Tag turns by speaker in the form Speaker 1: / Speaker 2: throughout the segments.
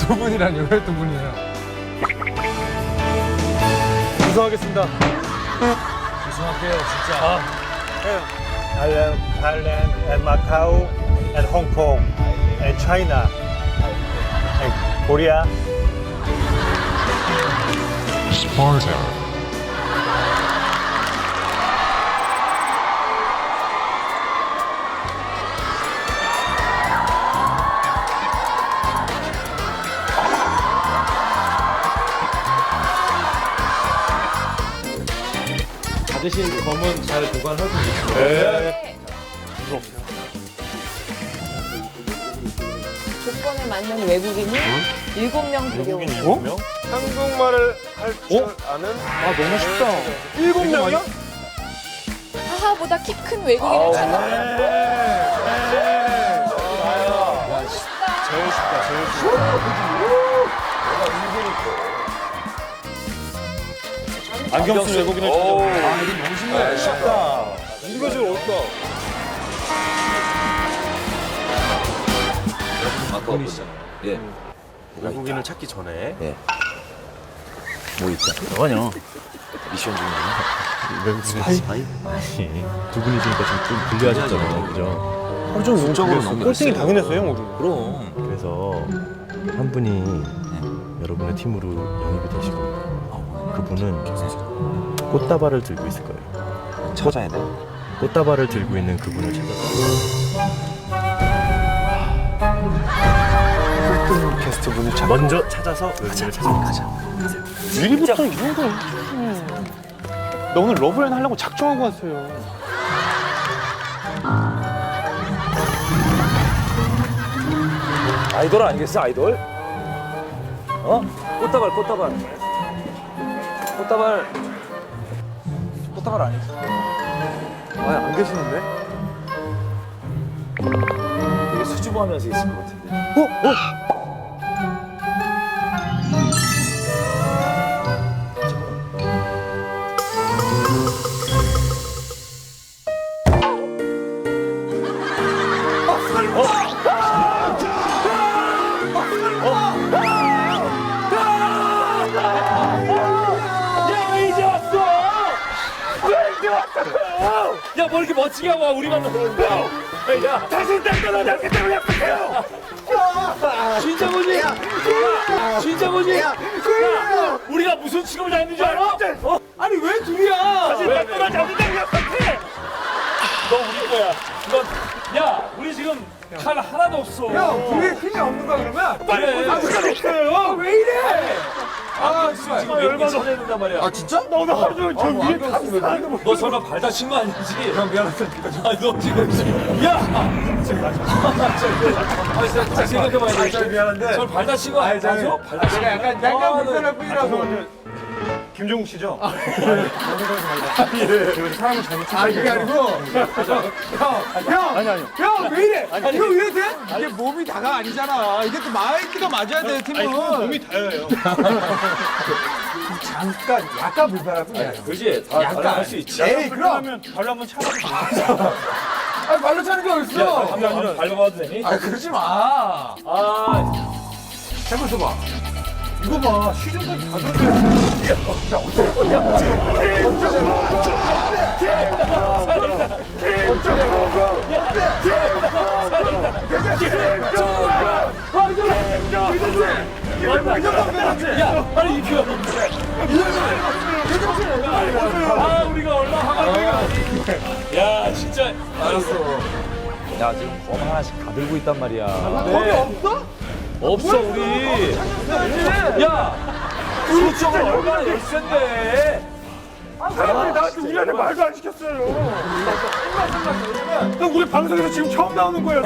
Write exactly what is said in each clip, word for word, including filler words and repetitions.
Speaker 1: 두 분이라니 왜 두 분이에요?
Speaker 2: 우승하겠습니다.
Speaker 3: 우승할게요, 진짜. 아.
Speaker 2: Thailand, Thailand and Macau and Hong Kong and China and Korea.
Speaker 4: Sparta.
Speaker 3: 받으신 검은 잘 보관하고 있어요.
Speaker 2: 네.
Speaker 5: 조건에 맞는 외국인이 일곱 명 데려오는
Speaker 2: 어? 한국말을 할 줄 아는?
Speaker 3: 아, 너무 쉽다.
Speaker 2: 일곱 명이요?
Speaker 5: 하하보다 키 큰 외국인을 찾아.
Speaker 2: 제일 쉽다, 제일 쉽다. 안경 쓴 외국인을 찾아. 아, 이거 너무 쉽네. 쉽다. 이거 좀 어렵다.
Speaker 6: 분이시잖아요. 예.
Speaker 3: 외국인을 찾기 전에.
Speaker 6: 예. 뭐 있다. 뭐냐? 미션 중이구나.
Speaker 3: 외국인 스파이?
Speaker 7: 아니, 두 분이시니까 좀, 좀 불리하셨잖아요, 그죠?
Speaker 2: 하루 종일 운적으로 너무 꼴등이 당연했어요, 형, 우리.
Speaker 6: 그럼.
Speaker 7: 그래서 한 분이 여러분의 팀으로 영입이 되실 겁니다. 그분은 꽃다발을 들고 있을 거예요.
Speaker 6: 찾아야 돼.
Speaker 7: 꽃다발을 들고 있는 그분을 찾아서
Speaker 2: 꼴등 게스트 분을 찾
Speaker 7: 먼저 찾아서 외국인을 찾아가자.
Speaker 2: 미리부터 이런 거. 나 오늘 러브라인 하려고 작정하고 왔어요.
Speaker 3: 아이돌 아니겠어, 아이돌? 어? 꽃다발, 꽃다발. 꽃다발. 꽃다발 아니지.
Speaker 2: 아, 안 계시는데?
Speaker 3: 되게 수줍어하면서 있을 것 같은데.
Speaker 2: 어? 어?
Speaker 3: 야, 뭐 이렇게 멋지게 하고 와, 우리만 들어온다. 야, 다시 땡겨놓은 약속대로 약속해요. 진짜 뭐지? 야, 진짜 뭐지? 야, 우리가 무슨 취급을 당했는 줄 알아? 어? 아니, 왜 둘이야? 다시 땡겨놓은 약속대로 약속해. 너 우리 거야. 너, 야, 우리 지금 칼 하나도 없어.
Speaker 1: 형, 둘이 힘이 없는 거야 그러면?
Speaker 3: 빨리
Speaker 1: 아무것도 없어요. 왜 이래?
Speaker 3: 아, 지금 지금 열받아 쳐내야 된단 말이야. 아, 진짜?
Speaker 2: 너도 하루 종일 저 위에 감싸는
Speaker 3: 너 설마 발 다친 거 아니지? 형 미안하다. 아, 너 지금 야! 아, 진짜 생각해봐야 돼.
Speaker 1: 미안한데.
Speaker 3: 저 발 다친 거 아니야? 발 다친 거.
Speaker 1: 약간
Speaker 3: 아,
Speaker 1: 약간
Speaker 3: 너-
Speaker 1: 불편할 뿐이라서.
Speaker 2: 김종국 씨죠?
Speaker 1: 사람을 잘못 찾아. 아 이게 아니고. 형, 형,
Speaker 2: 아니, 아니요.
Speaker 1: 형 왜 이래? 형 왜 이래? 이게 몸이 다가 아니잖아. 이게 또 마이크가 맞아야 돼 팀은.
Speaker 2: 아니, 그건 몸이 다여요.
Speaker 1: 잠깐 약간 불편할 뿐이야.
Speaker 3: 그지? 다
Speaker 1: 약간.
Speaker 3: 약간 할수 있지.
Speaker 1: 에이 그럼.
Speaker 2: 그러면 발로 한번 차봐도
Speaker 1: 아 발로 차는 게 어딨어?
Speaker 3: 한번 밟아봐도 되니?
Speaker 1: 아 그러지 마.
Speaker 3: 아,
Speaker 1: 해보서 봐. 이거 봐. 시즌까지 다 들었어.
Speaker 3: 야, 빨리 입혀. 아, 우리가 얼마나 화가 야, 진짜. 알았어. 야, 지금 검 하나씩 다 들고 있단 말이야.
Speaker 1: 거기 없어?
Speaker 3: 없어, 우리. 야, 수적을 얼마나 열센데.
Speaker 2: 사람들이 나한테 우리한테 말도 안 시켰어요. 형, 우리 방송에서 지금 처음 나오는 거예요.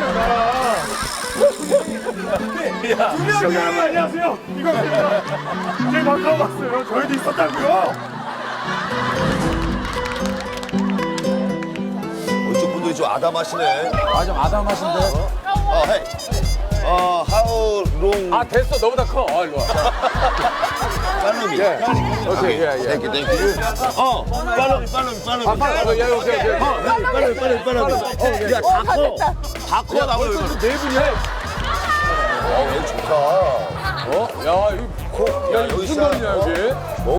Speaker 3: 야,
Speaker 2: 여기 여러분 안녕하세요. 이거 제 방송 봤어요. 저희도 있었다고요.
Speaker 6: 이쪽 분들이 좀 아담하시네.
Speaker 1: 아 좀 아담하신데.
Speaker 6: 어, 헤이. 어, how long?
Speaker 1: 아 됐어 너보다 커. 아 일로 와.
Speaker 6: 팔로미.
Speaker 1: 오케이 예 예.
Speaker 6: 땡큐, 땡큐. 어, 팔로미, 팔로미, 팔로미.
Speaker 1: 아 빨리 야 오케이 오케이.
Speaker 6: 어, 팔로미, 팔로미, 팔로미. 어, 야, 다 커. 다 커, 나보다.
Speaker 1: 네 분이야.
Speaker 6: 어, 좋다.
Speaker 1: 어? 야, 이거, 야, 이거 무슨 말이냐, 이게?